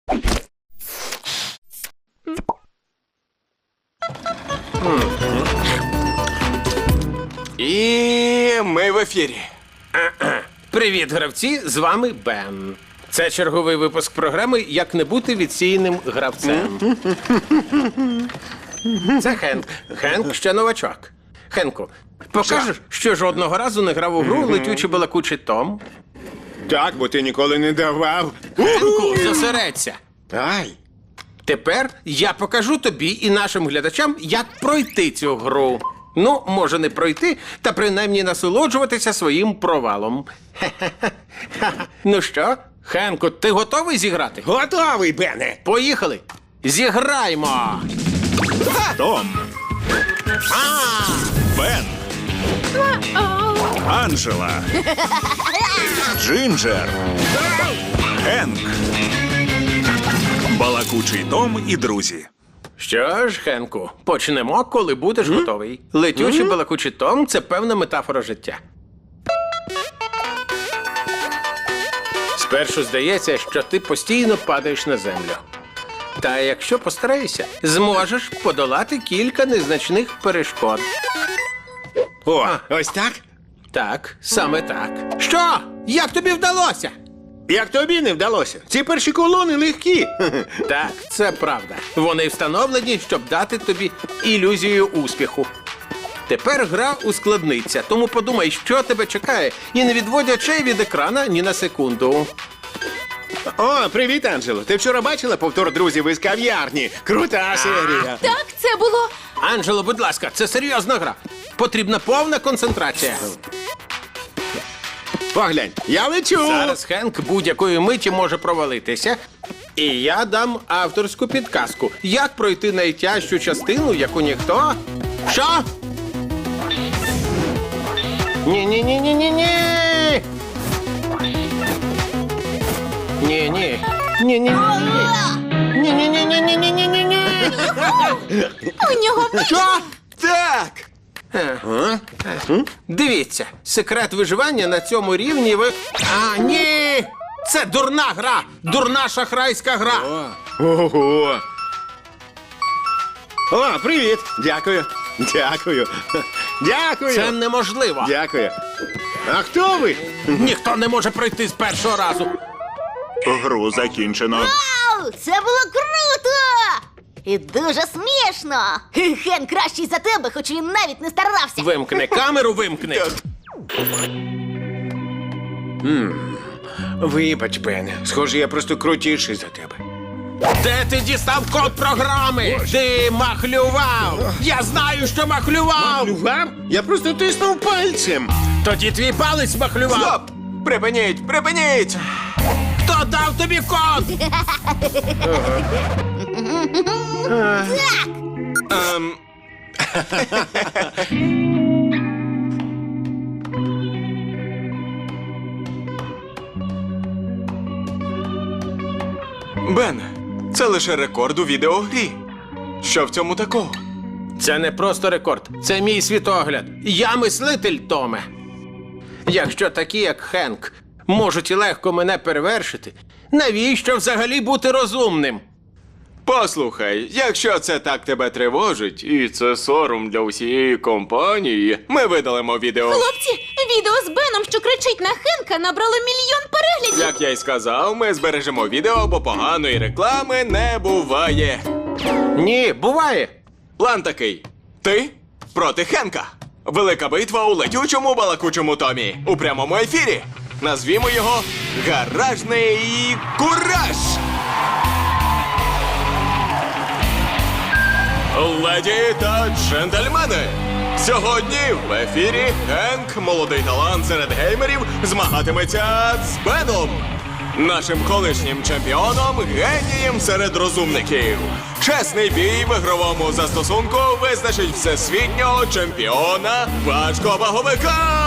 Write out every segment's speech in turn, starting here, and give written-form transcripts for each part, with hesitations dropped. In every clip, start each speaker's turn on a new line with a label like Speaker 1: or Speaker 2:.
Speaker 1: І ми в ефірі.
Speaker 2: Привіт, гравці, з вами Бен. Це черговий випуск програми «Як не бути відсіяним гравцем». Це Хенк. Хенк ще новачок. Хенку, покажеш, що жодного разу не грав у гру «Летючий балакучий Том»?
Speaker 1: Так, бо ти ніколи не давав.
Speaker 2: Хенку, зосередься.
Speaker 1: Ай.
Speaker 2: Тепер я покажу тобі і нашим глядачам, як пройти цю гру. Ну, може не пройти, та принаймні насолоджуватися своїм провалом. Ну що, Хенку, ти готовий зіграти?
Speaker 1: Готовий, Бене.
Speaker 2: Поїхали! Зіграймо!
Speaker 3: Том, Бен, Анджела, Джинджер, Хенк, Балакучий Том і друзі.
Speaker 2: Що ж, Хенку, почнемо, коли будеш готовий. Летючий балакучий Том – це певна метафора життя. Спершу здається, що ти постійно падаєш на землю. Та якщо постараєшся, зможеш подолати кілька незначних перешкод.
Speaker 1: О, ось так?
Speaker 2: Так, саме так. Що? Як тобі вдалося?
Speaker 1: Як тобі не вдалося? Ці перші колони легкі.
Speaker 2: Так, це правда. Вони встановлені, щоб дати тобі ілюзію успіху. Тепер гра ускладниться, тому подумай, що тебе чекає, і не відводь очей від екрана ні на секунду.
Speaker 1: О, привіт, Анджело. Ти вчора бачила повтор «Друзів із кав'ярні»? Крута серія.
Speaker 4: Так, це було.
Speaker 2: Анджело, будь ласка, це серйозна гра. Потрібна повна концентрація.
Speaker 1: Поглянь, я лечу.
Speaker 2: Зараз Хенк будь-якої миті може провалитися. І я дам авторську підказку. Як пройти найтяжчу частину, яку ніхто... Що? Ні-ні-ні-ні-ні-ні! Ні-ні. Ні-ні-ні. Ні-ні-ні-ні-ні-ні-ні-ні.
Speaker 4: У нього
Speaker 2: Що?
Speaker 1: Так.
Speaker 2: Дивіться, секрет виживання на цьому рівні ви... А, ні! Це дурна гра! Дурна шахрайська гра!
Speaker 1: Ого. О, привіт. Дякую. Дякую. Дякую.
Speaker 2: Це неможливо!
Speaker 1: Дякую. А хто ви?
Speaker 2: Ніхто не може пройти з першого разу!
Speaker 3: Гру закінчено.
Speaker 4: Вау! Це було круто! І дуже смішно! Хен кращий за тебе, хоч він навіть не старався.
Speaker 2: Вимкни камеру, вимкни!
Speaker 1: Вибач, Бене. Схоже, я просто крутіший за тебе.
Speaker 2: Де ти дістав код програми? Ти махлював! Я знаю, що махлював!
Speaker 1: Махлював? Я просто тиснув пальцем.
Speaker 2: Тоді твій палець махлював!
Speaker 1: Стоп! Припиніть! Припиніть!
Speaker 2: Хто дав тобі код?
Speaker 5: Бен, це лише рекорд у відеогрі. Що в цьому такого?
Speaker 2: Це не просто рекорд, це мій світогляд. Я мислитель, Томе. Якщо такі, як Хенк, можуть і легко мене перевершити, навіщо взагалі бути розумним?
Speaker 5: Послухай, якщо це так тебе тривожить, і це сором для усієї компанії, ми видалимо відео.
Speaker 4: Хлопці, відео з Беном, що кричить на Хенка, набрало 1 мільйон переглядів.
Speaker 5: Як я й сказав, ми збережемо відео, бо поганої реклами не буває.
Speaker 2: Ні, буває.
Speaker 5: План такий. Ти проти Хенка. Велика битва у летючому балакучому Томі. У прямому ефірі. Назвімо його «Гаражний кураж». Леді та джентльмени, сьогодні в ефірі Хенк, молодий талант серед геймерів, змагатиметься з Беном, нашим колишнім чемпіоном, генієм серед розумників. Чесний бій в ігровому застосунку визначить всесвітнього чемпіона важковаговика!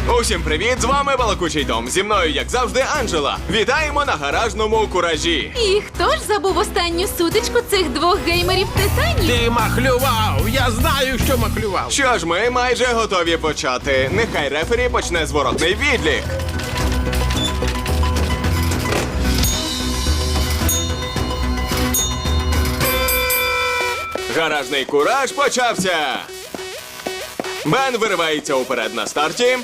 Speaker 5: Усім привіт, з вами Балакучий Том. Зі мною, як завжди, Анджела. Вітаємо на гаражному куражі.
Speaker 6: І хто ж забув останню сутичку цих двох геймерів-титанів?
Speaker 2: Ти махлював! Я знаю, що махлював.
Speaker 5: Що ж, ми майже готові почати. Нехай рефері почне зворотний відлік. Гаражний кураж почався. Бен виривається уперед на старті.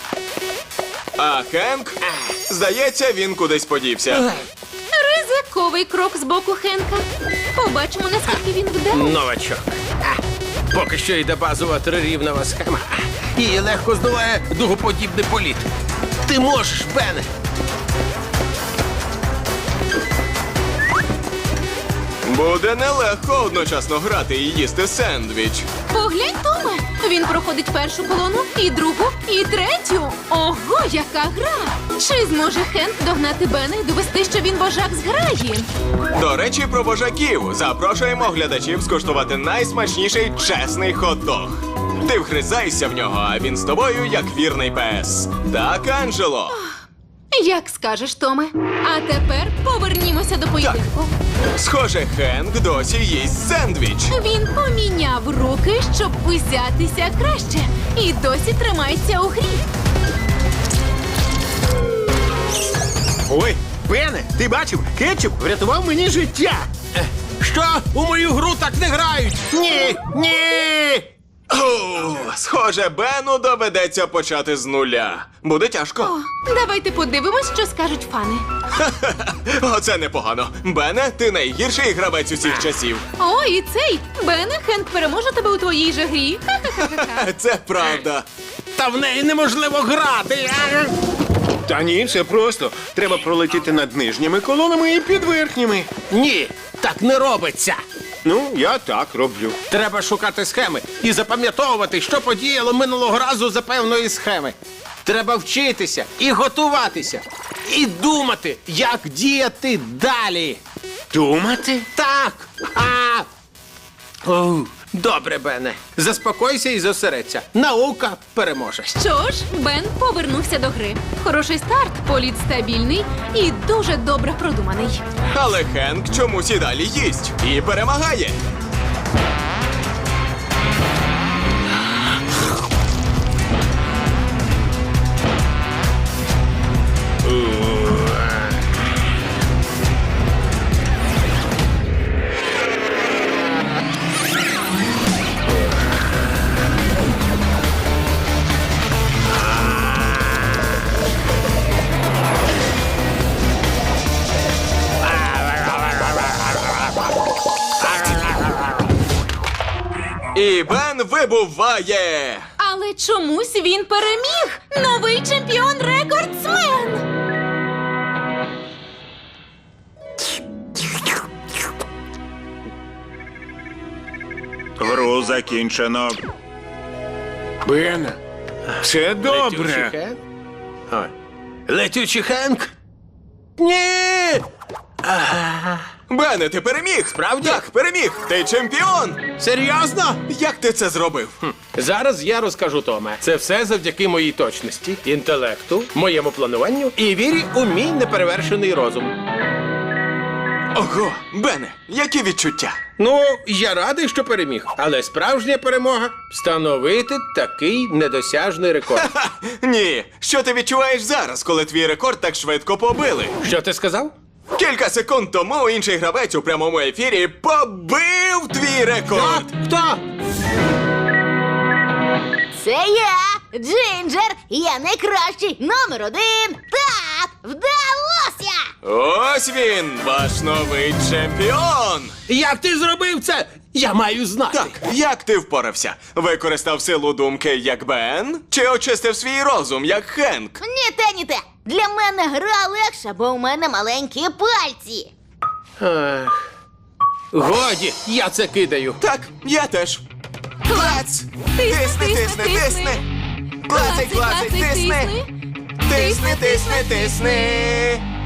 Speaker 5: А Хенк, здається, він кудись подівся.
Speaker 6: Ризиковий крок з боку Хенка. Побачимо, наскільки він вдалий.
Speaker 2: Новачок. Поки що йде базова трирівнева схема. Її легко здолає дугоподібний політ. Ти можеш, Бене.
Speaker 5: Буде нелегко одночасно грати і їсти сендвіч.
Speaker 6: Поглянь, Томе. Він проходить першу колону, і другу, і третю. Ого, яка гра! Чи зможе Хенк догнати Бена і довести, що він вожак зграї?
Speaker 5: До речі, про вожаків. Запрошуємо глядачів скуштувати найсмачніший чесний хот-дог. Ти вгризайся в нього, а він з тобою як вірний пес. Так, Анджело?
Speaker 6: Як скажеш, Томе. А тепер повернімося до поєдинку.
Speaker 5: Схоже, Хенк досі їсть сендвіч.
Speaker 6: Він поміняв руки, щоб узятися краще. І досі тримається у грі.
Speaker 1: Ой, Бене, ти бачив? Кетчуп врятував мені життя.
Speaker 2: Що? У мою гру так не грають! Ні! Ні!
Speaker 5: О, схоже, Бену доведеться почати з нуля. Буде тяжко.
Speaker 6: О, давайте подивимось, що скажуть фани.
Speaker 5: Оце непогано. Бене, ти найгірший гравець усіх часів.
Speaker 6: О, і цей! Бене, Хенк переможе тебе у твоїй же грі. Ха-ха-ха-ха.
Speaker 5: Це правда.
Speaker 2: Та в неї неможливо грати!
Speaker 1: Та ні, все просто. Треба пролетіти над нижніми колонами і під верхніми.
Speaker 2: Ні, так не робиться.
Speaker 1: Ну, я так роблю.
Speaker 2: Треба шукати схеми і запам'ятовувати, що подіяло минулого разу за певної схеми. Треба вчитися і готуватися, і думати, як діяти далі.
Speaker 1: Думати?
Speaker 2: Так. Оу, добре, Бене. Заспокойся і зосередься. Наука переможе.
Speaker 6: Що ж, Бен повернувся до гри. Хороший старт, політ стабільний і дуже добре продуманий.
Speaker 5: Але Хенк чомусь і далі їсть і перемагає. І Бен вибуває.
Speaker 6: Але чомусь він переміг! Новий чемпіон-рекордсмен!
Speaker 3: Гру закінчено.
Speaker 1: Бене, все
Speaker 2: Летючий
Speaker 1: добре.
Speaker 2: Хенк? Ой. Летючий Хенк? Ні!
Speaker 5: Бене, ти переміг!
Speaker 2: Справді?
Speaker 5: Так, переміг! Ти чемпіон!
Speaker 2: Серйозно?
Speaker 5: Як ти це зробив?
Speaker 2: Зараз я розкажу, Томе. Це все завдяки моїй точності, інтелекту, моєму плануванню і вірі у мій неперевершений розум.
Speaker 5: Ого, Бене, які відчуття?
Speaker 2: Ну, я радий, що переміг, але справжня перемога встановити такий недосяжний рекорд.
Speaker 5: Ха, ні, що ти відчуваєш зараз, коли твій рекорд так швидко побили?
Speaker 2: Що ти сказав?
Speaker 5: Кілька секунд тому інший гравець у прямому ефірі побив твій рекорд!
Speaker 2: Хто?
Speaker 4: Це я, Джинджер, я найкращий, номер 1. Так, вдалося!
Speaker 5: Ось він, ваш новий чемпіон!
Speaker 2: Як ти зробив це? Я маю знати.
Speaker 5: Так, як ти впорався? Використав силу думки, як Бен? Чи очистив свій розум, як Хенк?
Speaker 4: Ні те, ні те. Для мене гра легша, бо у мене маленькі пальці.
Speaker 2: Ех. Годі, я це кидаю.
Speaker 5: Так, я теж. Клац! Тисни, тисни, тисни! Клацай, клацай, тисни! Тисни, тисни, тисни!